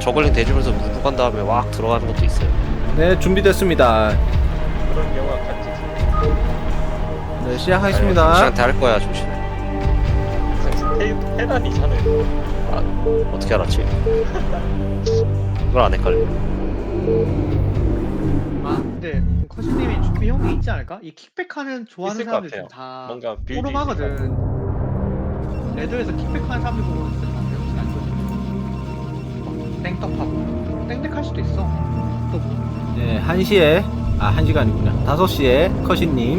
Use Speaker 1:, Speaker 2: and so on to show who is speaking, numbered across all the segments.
Speaker 1: 저글링 대주면서 무브 간 다음에 왁 들어가는 것도 있어요.
Speaker 2: 네, 준비됐습니다.
Speaker 3: 그런 경우가 같이
Speaker 2: 네, 시작하겠습니다.
Speaker 1: 조씨한테 할 거야 조씨는.
Speaker 3: 테란이잖아요.
Speaker 1: 아 어떻게 알았지? 그걸 안 헷갈려.
Speaker 4: 아 근데 커신님이 준비 형이 있지 않을까? 이 킥백하는 좋아하는
Speaker 3: 있을 것
Speaker 4: 사람들
Speaker 3: 같아요.
Speaker 4: 지금 다
Speaker 3: 뭔가 빌드
Speaker 4: 포럼하거든. 레드에서 킥백하는 사람들 보고 있을 것 같아. 혹시 알거든. 땡떡하고 땡땡할 수도 있어. 또 뭐.
Speaker 2: 네, 1시에, 1시가 아니구나. 5시에 커신님.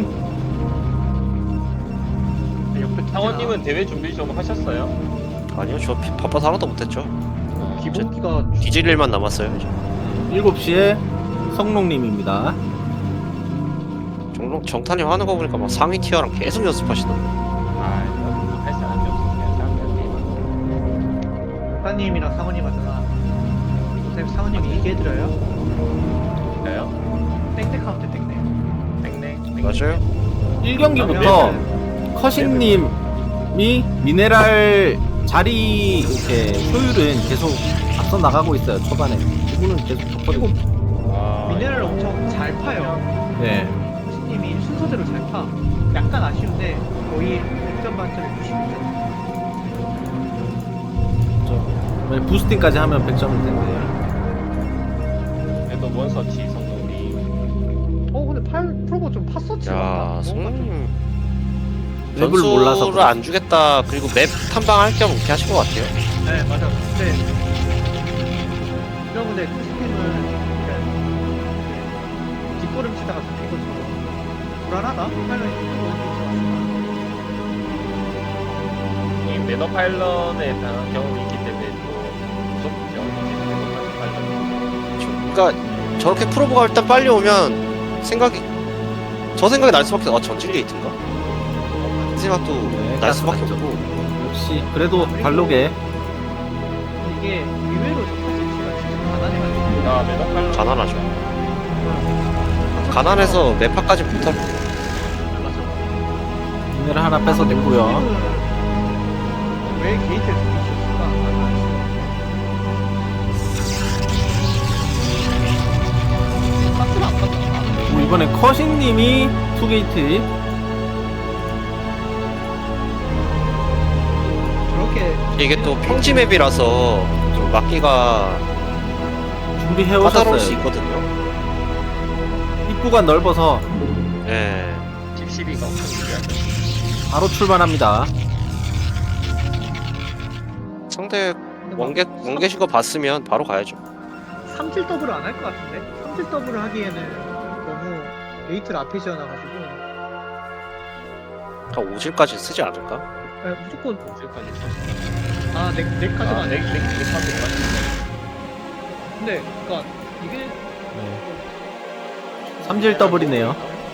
Speaker 4: 옆에
Speaker 3: 상원님은 대회 준비 좀 하셨어요?
Speaker 1: 아니요 저 바빠서 하나도 못했죠.
Speaker 4: 기본기가
Speaker 1: 뒤질 일만 남았어요 이제.
Speaker 2: 7시에 성롱님입니다.
Speaker 1: 정탄님 하는 거 보니까 막 상위 티어랑 계속 연습하시던데.
Speaker 3: 할 사람이 없으면 사람들한테
Speaker 4: 사님이랑 상원님 하잖아. 선생님 상원님이 얘기해드려요.
Speaker 3: 해볼까요?
Speaker 4: 땡땡하면 돼 땡땡.
Speaker 3: 땡땡.
Speaker 1: 맞아요.
Speaker 2: 1경기부터 커신님이 미네랄 자리 이렇게 효율은 계속 앞서 나가고 있어요. 초반에 그분은 계속 좋거든요.
Speaker 4: 미네랄을 엄청 잘 파요.
Speaker 2: 네,
Speaker 4: 커신님이 순서대로 잘 파. 약간 아쉬운데 거의 100점 만점에 90점.
Speaker 2: 만약 부스팅까지 하면 100점일 텐데.
Speaker 3: 그래도 원서치 성공이
Speaker 4: 근데 프로보 좀 팠었지.
Speaker 1: 야 손님
Speaker 2: 맵을 몰라서
Speaker 1: 전술을 안 주겠다. 그리고 맵 탐방할 겸 이렇게 하신 것 같아요.
Speaker 4: 네 맞아. 근데 이런 근데 커신님은 뒷걸음 치다가 잡히고 불안하다? 하면
Speaker 3: 이 매너 파일런에 대한 경험이 있기 때문에 또 무섭죠. 매너 파일런.
Speaker 1: 그러니까 저렇게 프로보가 일단 빨리 오면 저 생각이 날 수밖에 전진 게이트인가? 이 생각도
Speaker 2: 네,
Speaker 1: 날 수밖에
Speaker 2: 맞죠.
Speaker 1: 없고.
Speaker 2: 역시 그래도 발록에
Speaker 4: 이게 의외로 퍼센트가 진짜 가난해가지고
Speaker 3: 매너 파일런.
Speaker 1: 가난하죠. 가난해서 매파까지 못할
Speaker 4: 맞아.
Speaker 2: 미네랄 하나 뺏어 냈고요.
Speaker 4: 왜 게이트를 돌리셨을까? 나는 알수 없어. 안 갔다.
Speaker 2: 이번엔 커신님이 투게이트.
Speaker 4: 저렇게
Speaker 1: 이게 또 평지 맵이라서 좀 막기가
Speaker 2: 준비해
Speaker 1: 까다로울 수
Speaker 2: 오셨어요.
Speaker 1: 있거든요.
Speaker 2: 입구가 넓어서
Speaker 1: 예.
Speaker 3: tipCB가 엄청 중요하죠.
Speaker 2: 바로 출발합니다.
Speaker 1: 상대 원계신 거 봤으면 바로 가야죠.
Speaker 4: 3질 더블을 안 할 것 같은데? 3질 더블을 하기에는 너무 게이트를 앞에 지어놔가지고
Speaker 1: 한 5질까지 쓰지 않을까?
Speaker 4: 무조건
Speaker 3: 지금까지 쳤어.
Speaker 4: 넥 카드가 아니야.
Speaker 3: 넥 카드가.
Speaker 4: 근데 그니까 이게
Speaker 2: 네. 3질 더블이네요.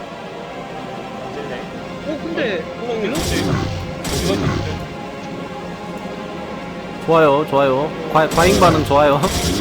Speaker 4: 근데
Speaker 3: 구멍님 이거
Speaker 2: 좋아요, 좋아요. 과잉 반응 좋아요.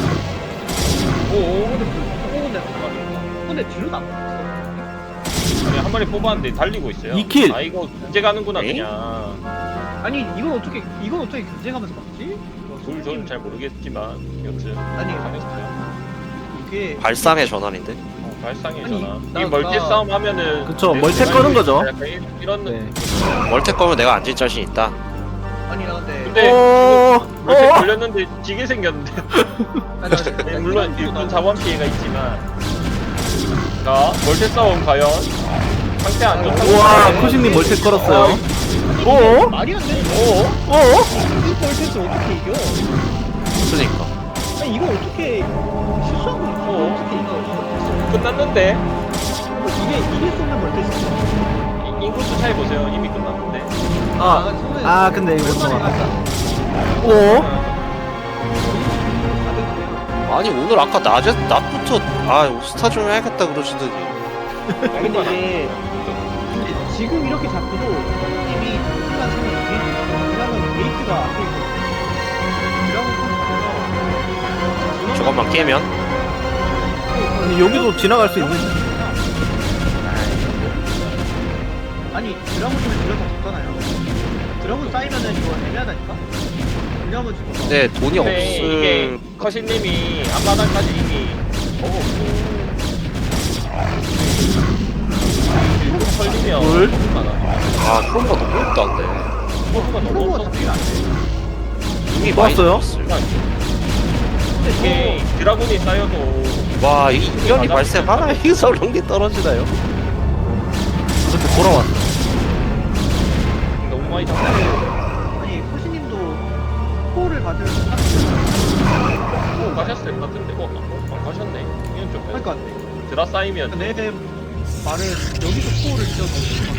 Speaker 4: 근데 뒤로 안 갔어.
Speaker 3: 아니 한 마리 뽑았는데 달리고 있어요.
Speaker 2: 2킬.
Speaker 3: 아 이거 견제 가는구나
Speaker 1: 에이?
Speaker 3: 그냥.
Speaker 4: 아니 이건 어떻게 견제하면서 막지?
Speaker 3: 저는 잘 모르겠지만 여튼
Speaker 4: 아니
Speaker 3: 잘했어요.
Speaker 4: 이게
Speaker 1: 발상의 전환인데.
Speaker 3: 발상의
Speaker 4: 아니,
Speaker 3: 전화.
Speaker 4: 나-
Speaker 3: 이 멀티
Speaker 4: 나-
Speaker 3: 싸움 하면은
Speaker 2: 그쵸,
Speaker 3: 내
Speaker 2: 멀티
Speaker 3: 생각이
Speaker 2: 꺼는 거죠.
Speaker 3: 약간 이런
Speaker 2: 네.
Speaker 1: 멀텍 거면 내가 앉을 자신 있다.
Speaker 4: 아니 나 근데
Speaker 3: 근데
Speaker 2: 오,
Speaker 3: 멀티
Speaker 2: 오.
Speaker 3: 걸렸는데 지게 생겼는데. 네, 물론 일본 자원 피해가 있지만. 자 멀티 싸움 과연 상태 안 좋다.
Speaker 2: 우와, 코신님 멀티 걸었어요. 오,
Speaker 4: 말이 안 돼.
Speaker 2: 오,
Speaker 4: 이 볼테스를 어떻게 이겨?
Speaker 1: 그러니까.
Speaker 4: 아니 이거 어떻게 실수한 거 어떻게 이겨?
Speaker 3: 끝났는데
Speaker 4: 이게 쏘는 볼테스.
Speaker 3: 인구수 차이 보세요. 이미 끝났는데.
Speaker 2: 근데 이거 좀 오,
Speaker 1: 아니 오늘 아까 낮부터 스타 좀 해야겠다 그러시더니.
Speaker 4: 근데 이게 근데 지금 이렇게 잡고도 팀이 시간 상이 게이트 있어. 왜냐면 게이트가 앞에 있고 드라곤
Speaker 1: 저것만 깨면
Speaker 2: 아니, 여기도 지나갈 수 있는.
Speaker 4: 아니 드라곤 좀 들려서 졌잖아요. 드라곤 쌓이면은 이거 애매하다니까. 왜냐면 지금
Speaker 1: 근데 돈이
Speaker 3: 근데 이게
Speaker 1: 없을
Speaker 3: 커신님이 앞마당까지 이미 먹었고 걸리면
Speaker 2: 둘.
Speaker 3: 너무 많아.
Speaker 1: 아 크롬가 너무 없다는데
Speaker 3: 프로브가 너무
Speaker 4: 프로브가
Speaker 3: 없어.
Speaker 4: 잡히면 안 돼.
Speaker 1: 이미
Speaker 2: 좋았어요?
Speaker 1: 많이
Speaker 3: 근데 이게 드라군이 쌓여도
Speaker 1: 와, 이 인연이 발생하나? 여기서 런게 떨어지나요?
Speaker 2: 이렇게 돌아왔어.
Speaker 3: 너무 많이 잡고
Speaker 4: 아니 호시님도 코어를 받을
Speaker 3: 가셨을 것 같은데 안 가셨네. 이건 좀
Speaker 4: 그러니까
Speaker 3: 드라 쌓이면
Speaker 4: 내 말은 여기서 코어를 지어서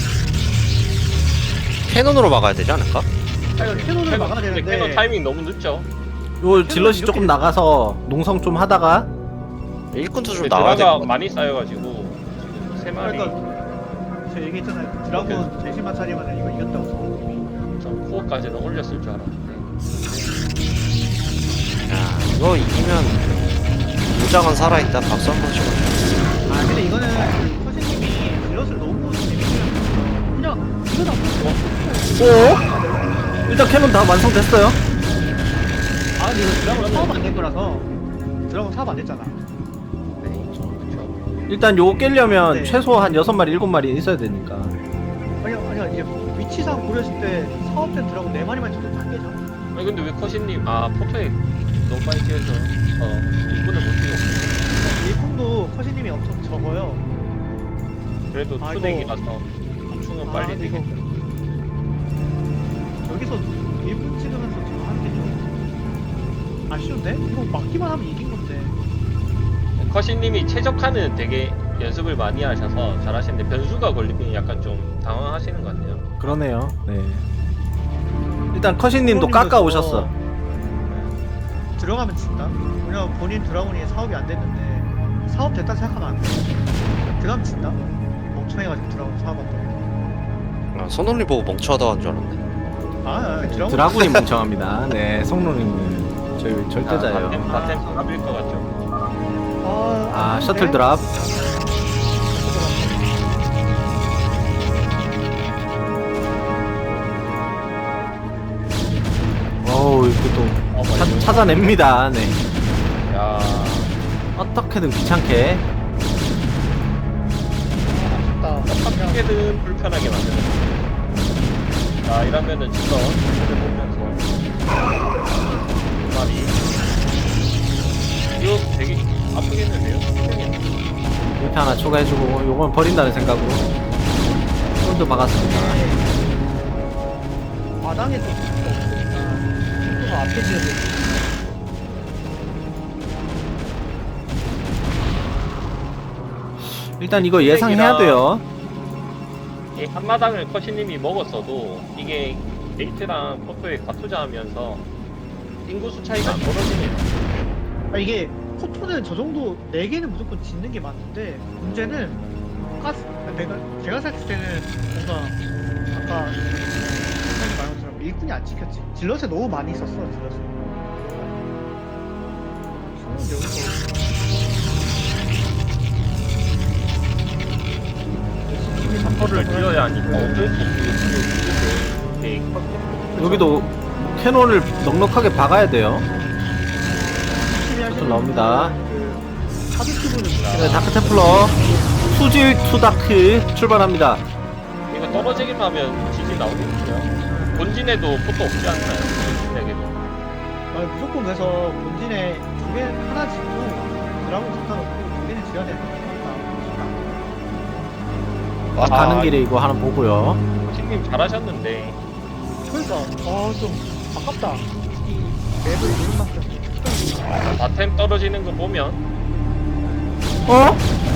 Speaker 1: 캐논으로 막아야 되지 않을까?
Speaker 4: 캐논을 막아야 되는데
Speaker 3: 캐논 타이밍 너무 늦죠.
Speaker 2: 요 질럿이 조금 나가서 농성 좀 하다가
Speaker 1: 일꾼도 좀
Speaker 3: 근데
Speaker 1: 나와야
Speaker 3: 드라가
Speaker 1: 될것 같아.
Speaker 3: 많이 쌓여가지고 지금 세 마리
Speaker 4: 그러니까 제가 얘기했잖아요. 드라곤 제시만 차리면 이거 이겼다고 선생님이.
Speaker 3: 전 코어까지는 올렸을 줄 알았는데
Speaker 1: 야, 이거 이기면 무장은 살아있다. 박수 한번 치고.
Speaker 4: 아 근데 이거는 그 선생님이 딜럿을 너무 재밌게 그냥 이거다.
Speaker 2: 오! 일단 캐논 다 완성됐어요.
Speaker 4: 아 근데 이거 드라곤 사업 안 된 거라서 드라곤 사업 안 됐잖아.
Speaker 3: 그렇죠.
Speaker 2: 일단 요거 깨려면
Speaker 4: 네.
Speaker 2: 최소 한 6마리 7마리 있어야 되니까.
Speaker 4: 아니 이제 위치상 고렸을 때 사업된 드라곤 4마리만 쳐도 다 깨져.
Speaker 3: 아니 근데 왜 커신님 포토에 너무 빨리 뛰어서 이분을 못 뛰고
Speaker 4: 일꾼도 커시님이 엄청 적어요.
Speaker 3: 그래도
Speaker 4: 아,
Speaker 3: 투넥이라서 충은 빨리
Speaker 4: 근데 이거
Speaker 3: 되겠죠.
Speaker 4: 여기서 1분 찍으면서 지금 하는 게 좀 아쉬운데? 이거 막기만 하면 이긴 건데.
Speaker 3: 커신님이 최적화는 되게 연습을 많이 하셔서 잘하시는데 변수가 걸리면 약간 좀 당황하시는 것 같네요.
Speaker 2: 그러네요. 네. 일단 커신님도 깎아 오셨어.
Speaker 4: 들어가면 진다. 왜냐면 본인 드라곤이 사업이 안 됐는데 사업 됐다 생각하면 안 돼. 들어가면 진다. 멍청해가지고 드라곤 사업한다.
Speaker 1: 아, 손놀림 보고 멍청하다 한 줄 알았네.
Speaker 4: 드라곤
Speaker 2: 드라군이 멍청합니다. 네, 성노님은 저희 절대자예요.
Speaker 3: 바템 가빌 것 같죠.
Speaker 2: 아, 셔틀 드랍. 어우, 이거 또 찾아냅니다. 네.
Speaker 3: 야,
Speaker 2: 어떻게든 귀찮게.
Speaker 3: 어떻게든 불편하게 만드는. 자, 이러면은 지금 보면서 두 마리. 이거 되게 아프겠는데요?
Speaker 2: 이렇게 하나 추가해주고 요건 버린다는 생각으로 홀도 박았습니다.
Speaker 4: 마당에 또 없으니까 또 앞에 지어야 돼.
Speaker 2: 일단 이거 예상해야 돼요.
Speaker 3: 이 한마당을 커시님이 먹었어도 이게 게이트랑 포토에 과투자하면서 인구수 차이가 안 벌어지네요.
Speaker 4: 이게 포토는 저 정도 4개는 무조건 짓는 게 맞는데 문제는 가스 제가 생각했을 때는 뭔가 아까 선생님 말한 것처럼 일꾼이 안 지켰지. 질럿에 너무 많이 있었어. 질럿에 손은 여기서
Speaker 3: 를 지어야 하니까 어쩔 수 없고 네,
Speaker 2: 여기도 캐논을 넉넉하게 박아야 돼요. 좀 나옵니다.
Speaker 4: 그 카드 큐브는
Speaker 2: 네, 다크 테플러 수질 투다크 출발합니다.
Speaker 3: 이거 떨어지기만 하면 지진 나오겠죠. 본진에도 포토 없지 않나요? 본진에게도.
Speaker 4: 무조건 그래서 본진에 두 개 하나 짓고 드라곤 갖다 놓고 두 개는 지어야 되는 거니까.
Speaker 2: 가는 길에 이거 하나 보고요.
Speaker 3: 코치님 잘하셨는데
Speaker 4: 그러니까 좀 아깝다. 이 맵을 이런 만큼
Speaker 3: 바템 떨어지는 거 보면
Speaker 2: 어?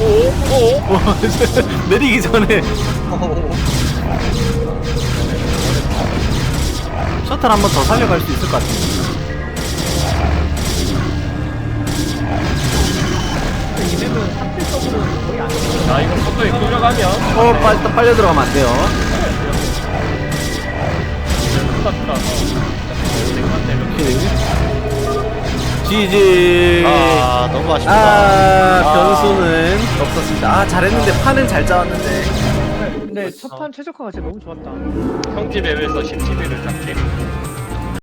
Speaker 3: 오?
Speaker 2: 내리기 전에 셔틀 한 번 더 살려갈 수 있을 것 같은데.
Speaker 4: 이 맵은 상대적으로 거의 안 돼.
Speaker 3: 자 이거 포토에 끌려가면
Speaker 2: 일단 빨려 들어가면 안 돼요. 지지.
Speaker 1: 아, 너무 아쉽다.
Speaker 2: 변수는 없었습니다. 잘했는데 판은 잘 짜왔는데.
Speaker 4: 근데 첫판 최적화가 진짜 너무 좋았다.
Speaker 3: 평지 맵에서 17위를 잡게